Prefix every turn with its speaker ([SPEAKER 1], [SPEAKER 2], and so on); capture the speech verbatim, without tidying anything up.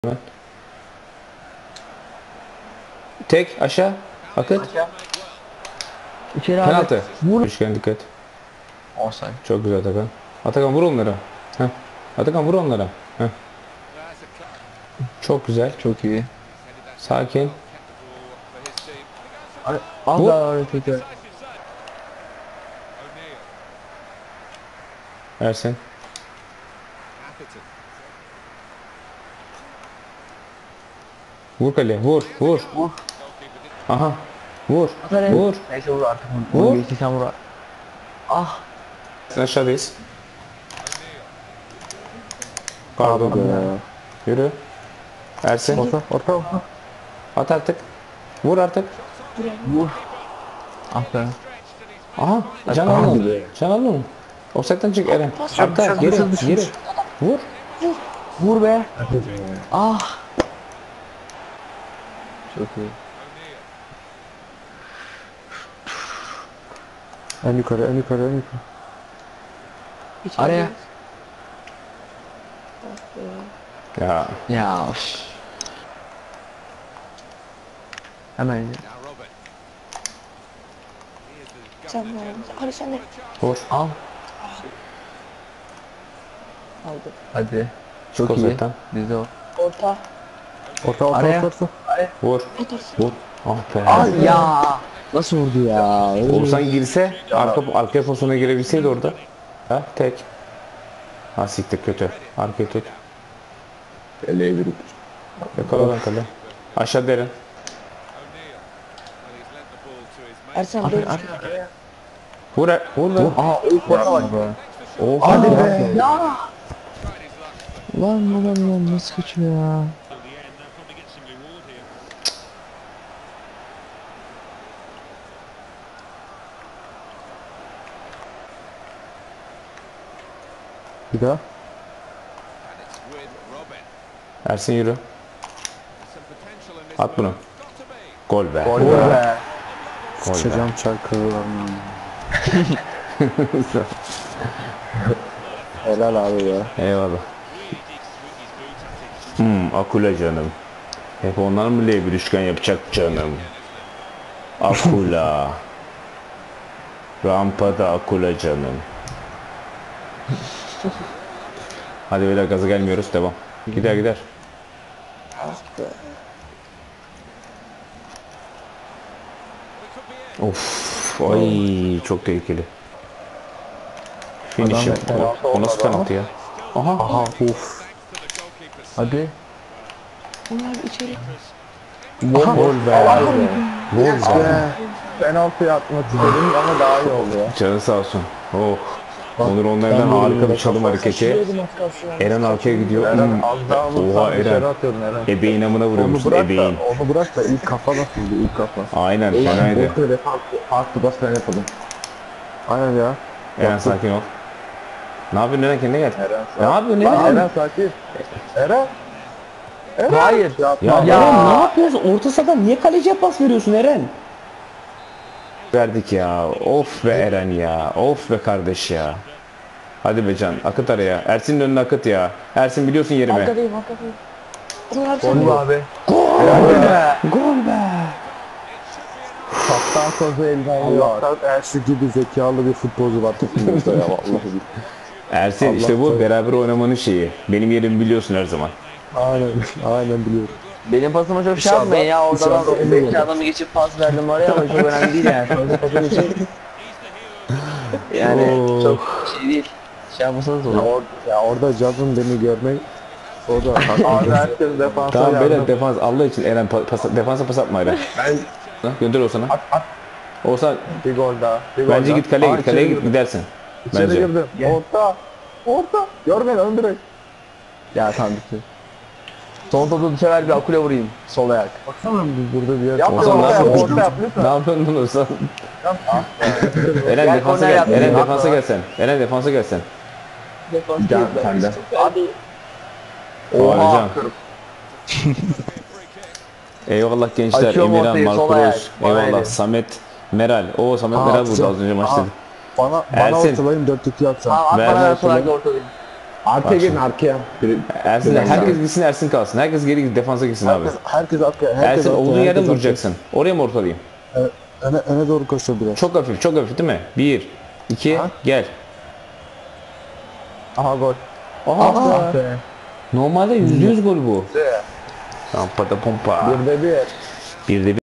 [SPEAKER 1] Ben. Tek aşağı. Akıt.
[SPEAKER 2] İçeri abi.
[SPEAKER 1] Penaltı.
[SPEAKER 2] Vur.
[SPEAKER 1] Üçgen dikkat.
[SPEAKER 2] Offside.
[SPEAKER 1] Çok güzel Atakan. Atakan vur onlara. Heh. Atakan vur onlara. Heh. Çok güzel.
[SPEAKER 2] Çok iyi.
[SPEAKER 1] Sakin.
[SPEAKER 2] Az
[SPEAKER 1] Vur.
[SPEAKER 2] daha hareketi.
[SPEAKER 1] Ersin. Vur kale. Vur. Vur.
[SPEAKER 2] Vur.
[SPEAKER 1] Aha. Vur.
[SPEAKER 2] Aferin.
[SPEAKER 1] Vur.
[SPEAKER 2] Neyse vur artık.
[SPEAKER 1] Vur.
[SPEAKER 2] Vur. Geçti sen vur. Ah.
[SPEAKER 1] Sen aşağıdayız. Pardon. Yürü. Ersin.
[SPEAKER 2] Orta. Orta. Orta.
[SPEAKER 1] At artık. Vur artık.
[SPEAKER 2] Vur. Aferin.
[SPEAKER 1] Aha. Can
[SPEAKER 2] Hadi
[SPEAKER 1] alın.
[SPEAKER 2] be.
[SPEAKER 1] Can alın. Offside'den çık Eren.
[SPEAKER 2] Dışarı,
[SPEAKER 1] Arka.
[SPEAKER 2] dışarı,
[SPEAKER 1] Geri.
[SPEAKER 2] dışarı, dışarı.
[SPEAKER 1] Geri. Vur.
[SPEAKER 2] Vur be. Ah. Çok iyi.
[SPEAKER 3] En yukarı, en yukarı, en yukarı.
[SPEAKER 2] Araya.
[SPEAKER 1] Ya.
[SPEAKER 2] Ya. Of. Hemen.
[SPEAKER 4] Sen de hadi sen de
[SPEAKER 1] Vur.
[SPEAKER 2] Al.
[SPEAKER 4] aldı.
[SPEAKER 2] Hadi.
[SPEAKER 1] Çık
[SPEAKER 2] Çok iyi.
[SPEAKER 1] offside'den.
[SPEAKER 2] Bizde o.
[SPEAKER 4] Orta.
[SPEAKER 3] Orta, orta,
[SPEAKER 2] Araya.
[SPEAKER 3] orta, orta.
[SPEAKER 1] Vur.
[SPEAKER 4] Atarsın.
[SPEAKER 1] Vur. Ah be.
[SPEAKER 2] Al ya. Nasıl vurdu ya?
[SPEAKER 1] Olsan girse arka arka pozisyona girebilseydi orada. Ha tek. Ha siktir kötü. Arkaya tut.
[SPEAKER 3] Eleği verip.
[SPEAKER 1] Yakala lan kale. Aşağı derin.
[SPEAKER 4] Ersen
[SPEAKER 2] Aferin.
[SPEAKER 4] böyle
[SPEAKER 2] Araya.
[SPEAKER 1] Vur e- vur lan.
[SPEAKER 2] Aa o korna var.
[SPEAKER 1] Oha.
[SPEAKER 2] Hadi be. Ya. Lan lan lan nasıl kaçıyor ya?
[SPEAKER 3] Bir daha.
[SPEAKER 1] Ersin yürü. At bunu. Gol be.
[SPEAKER 2] Gol be.
[SPEAKER 1] Gol be.
[SPEAKER 3] Sıçacağım çarkılarını. Helal abi ya.
[SPEAKER 1] Eyvallah. Hmm, Akula canım. Hep onlar mı L bir üçgen yapacak canım? Akula. Rampada Akula canım. Hadi beyler gaza gelmiyoruz. Devam. Gider gider. Of. Ay çok tehlikeli. Finish'im. O, o nasıl penaltı ya? Aha.
[SPEAKER 3] Aha, uf.
[SPEAKER 2] Hadi.
[SPEAKER 4] bunlar içeri.
[SPEAKER 1] Gol be. Gol be.
[SPEAKER 3] Penaltı atmak istedim ama daha iyi oldu ya.
[SPEAKER 1] Canı sağ olsun. Oh. Onur onlardan harika bir çalım hareketi. Eren arkaya gidiyor. Hmm.
[SPEAKER 3] Az daha
[SPEAKER 1] Oha
[SPEAKER 3] vursan dışarı
[SPEAKER 1] Eren.
[SPEAKER 3] atıyordun Eren.
[SPEAKER 1] Ebeğin amına
[SPEAKER 3] Onu
[SPEAKER 1] vuruyormuşsun
[SPEAKER 3] bırak da,
[SPEAKER 1] ebeğin.
[SPEAKER 3] onu bırak da ilk kafa nasıldı ilk kafa.
[SPEAKER 1] Aynen fenaydı.
[SPEAKER 3] Böyle farklı, farklı bas ben yapalım. Aynen ya.
[SPEAKER 1] Eren sakin ol. Ne yapıyorsun Eren kendine gel.
[SPEAKER 3] Eren
[SPEAKER 1] Ne
[SPEAKER 3] sakin.
[SPEAKER 1] yapıyorsun
[SPEAKER 3] Lan
[SPEAKER 1] Eren?
[SPEAKER 3] Eren sakin. Eren. Eren.
[SPEAKER 2] Hayır.
[SPEAKER 3] Ya,
[SPEAKER 1] Ya,
[SPEAKER 2] Ya.
[SPEAKER 1] Eren ne yapıyorsun? Orta sahadan niye kaleciye pas veriyorsun Eren? Verdik ya. Of be Eren ya. Of be kardeş ya. Hadi be Can. Akıt araya. Ersin'in önüne akıt ya. Ersin biliyorsun yerimi.
[SPEAKER 4] Arkadayım arkadayım. Bunlar sen
[SPEAKER 2] Gol
[SPEAKER 4] de.
[SPEAKER 2] abi.
[SPEAKER 1] Gol be. Gol be.
[SPEAKER 3] Kaptan sözü elden alıyor. Allah'tan Ersin gibi zekalı bir futbolcu var takımımızda ya vallahi.
[SPEAKER 1] Ersin işte bu
[SPEAKER 3] Allah
[SPEAKER 1] beraber oynamanın şeyi. Benim yerimi biliyorsun her zaman.
[SPEAKER 3] Aynen, aynen biliyorum.
[SPEAKER 2] Benim pasıma çok şey
[SPEAKER 3] İnşallah-
[SPEAKER 2] yapmayın ya. Oradan
[SPEAKER 3] inşallah
[SPEAKER 2] ben
[SPEAKER 3] olur.
[SPEAKER 2] iki adamı geçip pas verdim oraya ama çok önemli değil yani. Sonra pasın için. Yani
[SPEAKER 1] Oo.
[SPEAKER 2] çok şey değil. Şey yapmasanız
[SPEAKER 3] Ya,
[SPEAKER 2] olur.
[SPEAKER 3] or ya orada Caz'ın beni görmek o da abi herkes defansa
[SPEAKER 1] Tamam beyler
[SPEAKER 3] yardım.
[SPEAKER 1] defans Allah için Eren pa- pas, defansa pas atma Eren.
[SPEAKER 3] Ben
[SPEAKER 1] Ha, gönder Oğuzhan'a.
[SPEAKER 3] at at
[SPEAKER 1] Oğuzhan
[SPEAKER 3] bir gol daha. Bir gol
[SPEAKER 1] bence
[SPEAKER 3] daha.
[SPEAKER 1] git kaleye
[SPEAKER 3] Aa,
[SPEAKER 1] git kaleye
[SPEAKER 3] içeri
[SPEAKER 1] git
[SPEAKER 3] girdim.
[SPEAKER 1] gidersin.
[SPEAKER 3] İçeri
[SPEAKER 1] Bence.
[SPEAKER 3] girdim. Orta. Orta. Gör beni ön direkt.
[SPEAKER 2] Ya tamam bitti. Son topu dışarı bir akule vurayım. Sol ayak.
[SPEAKER 3] Baksana biz burada bir yer.
[SPEAKER 1] Oğuzhan
[SPEAKER 3] orta
[SPEAKER 1] ne
[SPEAKER 3] yap,
[SPEAKER 1] yapıyorsun?
[SPEAKER 3] orta yap
[SPEAKER 1] Ne
[SPEAKER 3] lütfen.
[SPEAKER 1] yapıyorsun lan Oğuzhan? Eren
[SPEAKER 2] Gel
[SPEAKER 1] defansa
[SPEAKER 2] korner
[SPEAKER 1] gel.
[SPEAKER 2] yap.
[SPEAKER 1] Eren
[SPEAKER 2] Yapma.
[SPEAKER 1] defansa gelsen. Eren defansa gelsen.
[SPEAKER 4] defans
[SPEAKER 3] Can,
[SPEAKER 4] değil, ben
[SPEAKER 3] sen de.
[SPEAKER 4] istiyorum. Hadi.
[SPEAKER 1] Oha.
[SPEAKER 2] Oha.
[SPEAKER 1] Eyvallah gençler.
[SPEAKER 2] Açıyorum
[SPEAKER 1] Emirhan,
[SPEAKER 2] ortayı, sol ayak.
[SPEAKER 1] Markuros.
[SPEAKER 2] Bana
[SPEAKER 1] Eyvallah.
[SPEAKER 2] verin.
[SPEAKER 1] Samet, Meral. Oo Samet
[SPEAKER 3] Aa,
[SPEAKER 1] Meral vurdu
[SPEAKER 3] atacağım.
[SPEAKER 1] az önce maçta.
[SPEAKER 3] Aa. Bana, bana
[SPEAKER 1] Ersin.
[SPEAKER 3] ortalayın dört iki atacağım.
[SPEAKER 2] Tamam at
[SPEAKER 1] Ver
[SPEAKER 2] bana ver
[SPEAKER 1] lan
[SPEAKER 2] sol ayakla ortalayayım.
[SPEAKER 3] Arkaya gelin arkaya. Bir-
[SPEAKER 1] Ersin,
[SPEAKER 3] Biraz
[SPEAKER 1] herkes
[SPEAKER 3] daha.
[SPEAKER 1] gitsin, Ersin kalsın. Herkes geri defansa gitsin abi.
[SPEAKER 3] Herkes, herkes arkaya. Herkes
[SPEAKER 1] Ersin
[SPEAKER 3] arkaya,
[SPEAKER 1] olduğun
[SPEAKER 3] herkes
[SPEAKER 1] yerden
[SPEAKER 3] arkaya.
[SPEAKER 1] vuracaksın. Oraya mı ortalayayım?
[SPEAKER 3] Evet, öne, öne doğru koşuyor biraz.
[SPEAKER 1] Çok hafif, çok hafif değil mi? Bir, iki,
[SPEAKER 3] Ha?
[SPEAKER 1] gel.
[SPEAKER 2] Aha gol.
[SPEAKER 1] Aha,
[SPEAKER 2] Ah be.
[SPEAKER 1] normalde yüzde yüz gol bu. Tamam, pata pompa.
[SPEAKER 2] Bir de bir.
[SPEAKER 1] Bir de